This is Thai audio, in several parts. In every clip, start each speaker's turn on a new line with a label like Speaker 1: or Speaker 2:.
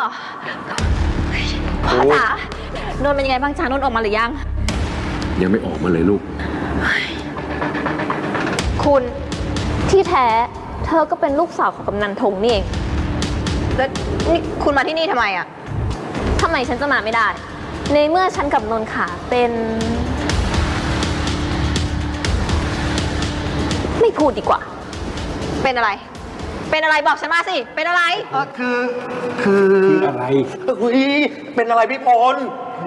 Speaker 1: อพ่อจ๋านนท์เป็นยังไงบ้างจ๊ะนนท์ออกมาหรือยัง
Speaker 2: ยังไม่ออกมาเลยลูก
Speaker 1: คุณที่แท้เธอก็เป็นลูกสาวของกำนันธงนี่เองแล้วนี่คุณมาที่นี่ทำไมอ่ะทำไมฉันจะมาไม่ได้ในเมื่อฉันกับนนท์ขาเป็นไม่พูดดีกว่าเป็นอะไรเป็นอะไรบอกฉันมาสิเป็นอะไร
Speaker 2: คืออะไร
Speaker 3: เป็นอะไรพี่พล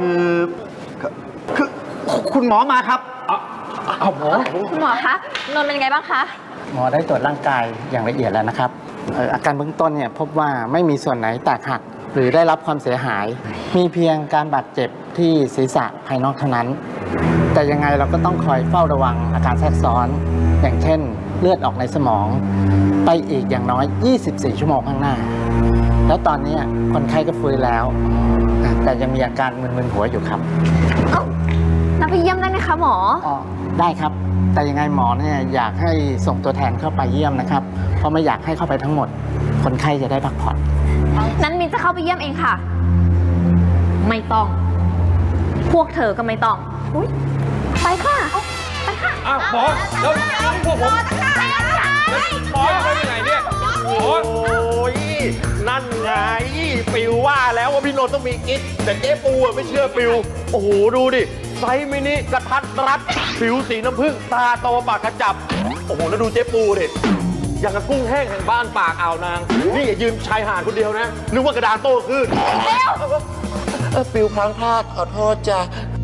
Speaker 3: คือคุณหมอมาครับ
Speaker 2: เอาหมอ
Speaker 1: คุณหมอคะนนท์เป็นยังไงบ้างคะ
Speaker 4: หมอได้ตรวจร่างกายอย่างละเอียดแล้วนะครับอาการเบื้องต้นเนี่ยพบว่าไม่มีส่วนไหนแตกหักหรือได้รับความเสียหายมีเพียงการบาดเจ็บที่ศีรษะภายนอกเท่านั้นแต่ยังไงเราก็ต้องคอยเฝ้าระวังอาการแทรกซ้อนอย่างเช่นเลือดออกในสมองไปอีกอย่างน้อย24 ชั่วโมงข้างหน้าแล้วตอนนี้คนไข้ก็ฟื้นแล้วแต่ยังมีอาการมึนๆหัวอยู่ครับ
Speaker 1: นับไปเยี่ยมได้ไหมคะหมอ
Speaker 4: ได้ครับแต่ยังไงหมอเนี่ยอยากให้ส่งตัวแทนเข้าไปเยี่ยมนะครับเพราะไม่อยากให้เข้าไปทั้งหมดคนไข้จะได้พักผ่อน
Speaker 1: นั้นมินจะเข้าไปเยี่ยมเองค่ะไม่ต้องพวกเธอก็ไม่ต้องไปค่ะไปค่ะ
Speaker 2: หมอแล้วพวกผมหมอจะไปไหนเนี่ย
Speaker 3: โอ้ยนั่นไงปิวว่าแล้วว่าพี่โนต้องมีกิ๊กแต่เจ๊ปูไม่เชื่อปิวโอ้โหดูดิไซส์มินิกระทัดรัดผิวสีน้ำผึ้งตาโตปากกระจับโอ้โหแล้วดูเจ๊ปูดิอย่างกับกุ้งแห้งแห่งบ้านปากอ่าวนางนี่อย่ายืมชายหาดคนเดียวนะนึกว่ากระดานโต้ขึ้นปิวพลั้งพลาดขอโทษจ้ะ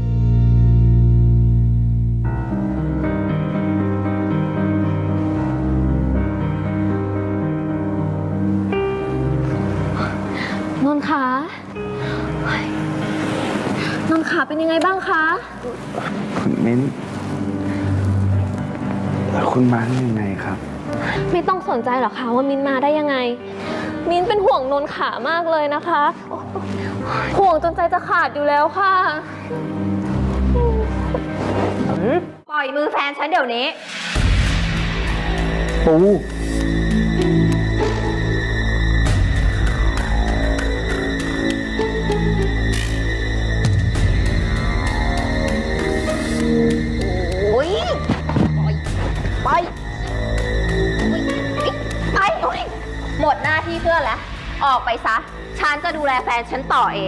Speaker 1: นนท์คะนนท์ขาเป็นยังไงบ้างคะ
Speaker 5: คุณมิ้นแล้วคุณมาได้ยังไงครับ
Speaker 1: ไม่ต้องสนใจหรอกค่ะว่ามิ้นมาได้ยังไงมิ้นเป็นห่วงนนท์ขามากเลยนะคะห่วงจนใจจะขาดอยู่แล้วค่ะปล่อยมือแฟนฉันเดี๋ยวนี้
Speaker 5: ปู
Speaker 1: หมดหน้าที่เพื่อนแล้วออกไปซะฉันจะดูแลแฟนฉันต่อเอง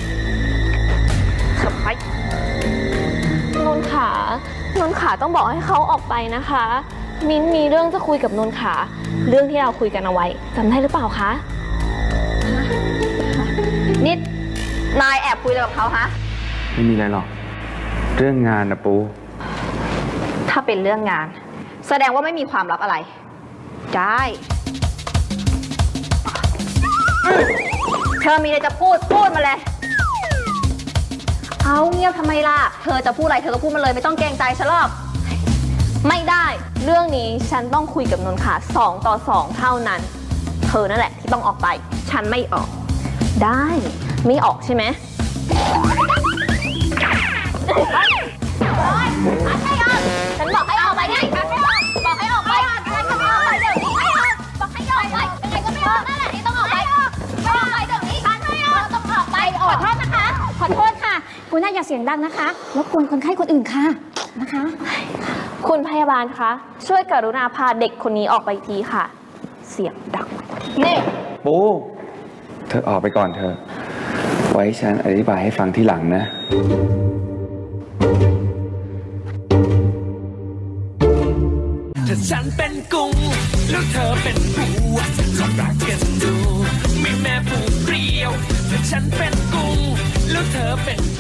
Speaker 1: ขับไปนนท์ขต้องบอกให้เขาออกไปนะคะมิ้นมีเรื่องจะคุยกับนนท์ขาเรื่องที่เราคุยกันเอาไว้จำได้หรือเปล่าคะนิดนายแอบคุยอะไรกับเขาฮะ
Speaker 5: ไม่มีอะไรหรอกเรื่องงานนะปู
Speaker 1: ถ้าเป็นเรื่องงานแสดงว่าไม่มีความลับอะไรได้เธอมีอะไรจะพูดมาเลยเอาเงียบทำไมล่ะเธอจะพูดอะไรเธอก็พูดมาเลยไม่ต้องเกรงใจฉันหรอกไม่ได้เรื่องนี้ฉันต้องคุยกับนนท์ขา2 ต่อ 2เท่านั้นเธอนั่นแหละที่ต้องออกไปฉันไม่ออกได้ไม่ออกใช่ไหมฉันบอกให้ออกไปไงฉันไม่ออกบอกให้ออกไปฉันก็ไม่ออกไปเดี๋ยวนี้ไม่ออกบอกให้ออกไปยังไงก็ไม่ออกนั่นแหละที่ต้องออกไปไม่ออกไปเดี๋ยวนี้ฉันไม่ออกต้องออกไปขอโทษนะคะขอโทษค่ะคุณน่าอย่าเสียงดังนะคะรบกวนคนไข้คนอื่นค่ะนะคะคุณพยาบาลคะช่วยกรุณาพาเด็กคนนี้ออกไปทีค่ะเสียงดังนี่
Speaker 5: ปูเธอออกไปก่อนเธอไว้ฉันอธิบายให้ฟังทีหลังนะ
Speaker 6: ถ้าฉันเป็นกุ้งแล้วเธอเป็นปูลองรักกันดูมีแม่ปูเปรี้ยวถ้าฉันเป็นกุ้งแล้วเธอเป็น